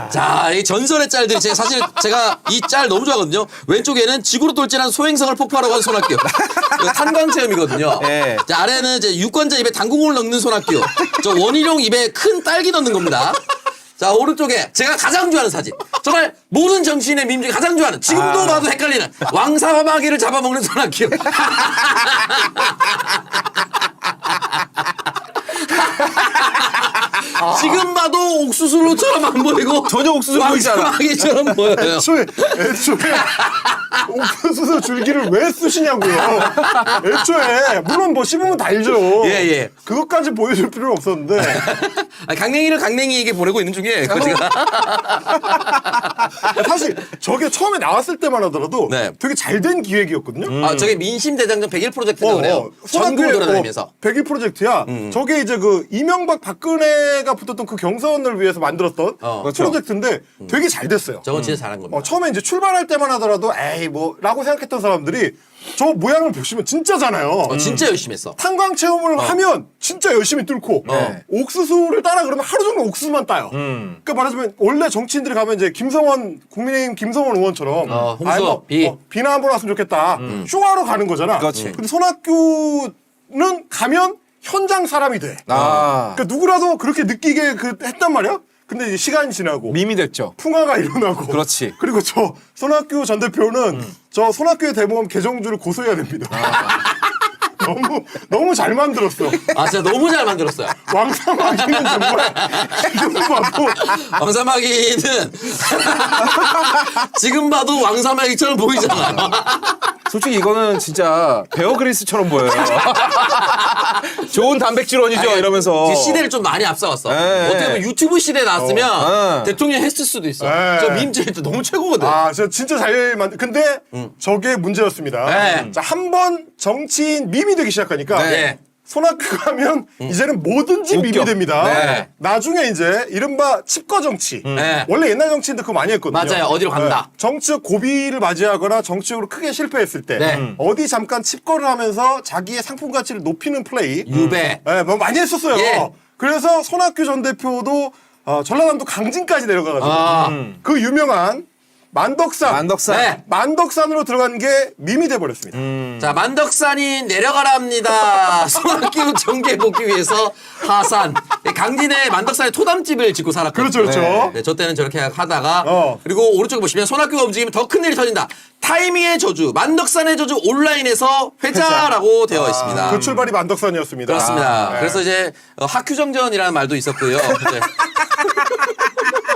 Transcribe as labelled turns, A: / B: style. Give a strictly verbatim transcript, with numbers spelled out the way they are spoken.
A: 자, 이 전설의 짤들이 제가 사실 제가 이 짤 너무 좋아하거든요. 왼쪽에는 지구로 돌진한 소행성을 폭발하고 한 손학규. 이거 탄광 체험이거든요.
B: 네.
A: 자, 아래는 이제 유권자 입에 당구공을 넣는 손학규. 저 원희룡 입에 큰 딸기 넣는 겁니다. 자, 오른쪽에 제가 가장 좋아하는 사진. 정말 모든 정치인의 밈 중에 가장 좋아하는, 지금도
B: 아.
A: 봐도 헷갈리는 왕사마귀를 잡아먹는 손학규. 지금 봐도 옥수수로처럼 안 보이고
B: 전혀 옥수수 보이지 않아.
A: 왕사마귀처럼 보여요.
C: 애초에 애초에 옥수수 줄기를 왜 쓰시냐고요. 애초에 물론 뭐 씹으면 달죠.
A: 예, 예.
C: 그것까지 보여줄 필요는 없었는데
A: 아, 강냉이를 강냉이에게 보내고 있는 중이에요. 그거 제가.
C: 사실 저게 처음에 나왔을 때만 하더라도
A: 네.
C: 되게 잘 된 기획이었거든요.
A: 아, 저게 민심대장정 백일 프로젝트라고 그래요. 전국을
C: 손학규의
A: 돌아다니면서.
C: 어, 백일 프로젝트야. 저게 이제 그 이명박 박근혜가 붙었던 그 경선을 위해서 만들었던
A: 어.
B: 그렇죠.
C: 프로젝트인데 되게 잘 됐어요.
A: 저건 진짜 잘한 겁니다.
C: 어, 처음에 이제 출발할 때만 하더라도 에이 뭐라고 생각했던 사람들이 저 모양을 보시면 진짜잖아요.
A: 어, 진짜 열심히 했어.
C: 탄광 체험을 하면 진짜 열심히 뚫고
A: 어.
C: 옥수수를 따라 그러면 하루 종일 옥수수만 따요. 그러니까 말하자면 원래 정치인들이 가면 이제 김성원 국민의힘 김성원 의원처럼
A: 어, 홍수,
C: 아이 뭐,
A: 비.
C: 어, 비나 한번 왔으면 좋겠다. 쇼하러 가는 거잖아.
B: 그렇지.
C: 근데 손학규는 가면 현장 사람이 돼.
B: 아.
C: 그러니까 누구라도 그렇게 느끼게 그 했단 말이야. 근데 이제 시간이 지나고
B: 밈이 됐죠.
C: 풍화가 일어나고.
B: 그렇지.
C: 그리고 저 손학규 전 대표는 저 손학규의 대모험 개정주를 고소해야 됩니다. 너무 너무 잘 만들었어.
A: 아, 진짜 너무 잘 만들었어요.
C: 왕사마귀는 정말 지금 봐도
A: 왕사마귀는 지금 봐도 왕사마귀처럼 보이잖아요.
B: 솔직히 이거는 진짜 베어 그리스처럼 보여요. 좋은 단백질원이죠
A: 아니,
B: 이러면서.
A: 지금 시대를 좀 많이 앞서갔어.
B: 네.
A: 어떻게 보면 유튜브 시대에 나왔으면
B: 어.
A: 대통령 했을 수도 있어.
C: 네.
A: 저 밈제 너무 최고거든.
C: 아, 저 진짜 잘 만. 근데 저게 문제였습니다.
A: 네.
C: 자, 한 번 정치인 밈이 되기 시작하니까
A: 네.
C: 손학규가 하면 이제는 뭐든지
B: 웃겨.
C: 밈이 됩니다.
A: 네.
C: 나중에 이제 이른바 칩거 정치.
A: 네.
C: 원래 옛날 정치인들 그거 많이 했거든요.
A: 맞아요. 어디로 간다.
C: 네. 정치적 고비를 맞이하거나 정치적으로 크게 실패했을 때
A: 네.
C: 어디 잠깐 칩거를 하면서 자기의 상품 가치를 높이는 플레이.
A: 유배.
C: 네, 뭐 많이 했었어요.
A: 예.
C: 그래서 손학규 전 대표도 어, 전라남도 강진까지 내려가가지고
A: 아.
C: 그 유명한 만덕산.
B: 만덕산.
A: 네.
C: 만덕산으로 들어간 게 밈이 돼버렸습니다.
A: 자, 만덕산이 내려가라 합니다. 손학규 정계 복귀 위해서 하산. 강진에 만덕산에 토담집을 짓고 살았거든요.
C: 그렇죠, 그렇죠.
A: 네, 저 때는 저렇게 하다가
C: 어.
A: 그리고 오른쪽에 보시면 손학규가 움직이면 더 큰 일이 터진다. 타이밍의 저주, 만덕산의 저주 온라인에서 회자라고 되어 있습니다.
C: 그 출발이 만덕산이었습니다.
A: 그렇습니다.
C: 아, 네.
A: 그래서 이제 어, 학휴정전이라는 말도 있었고요. 이제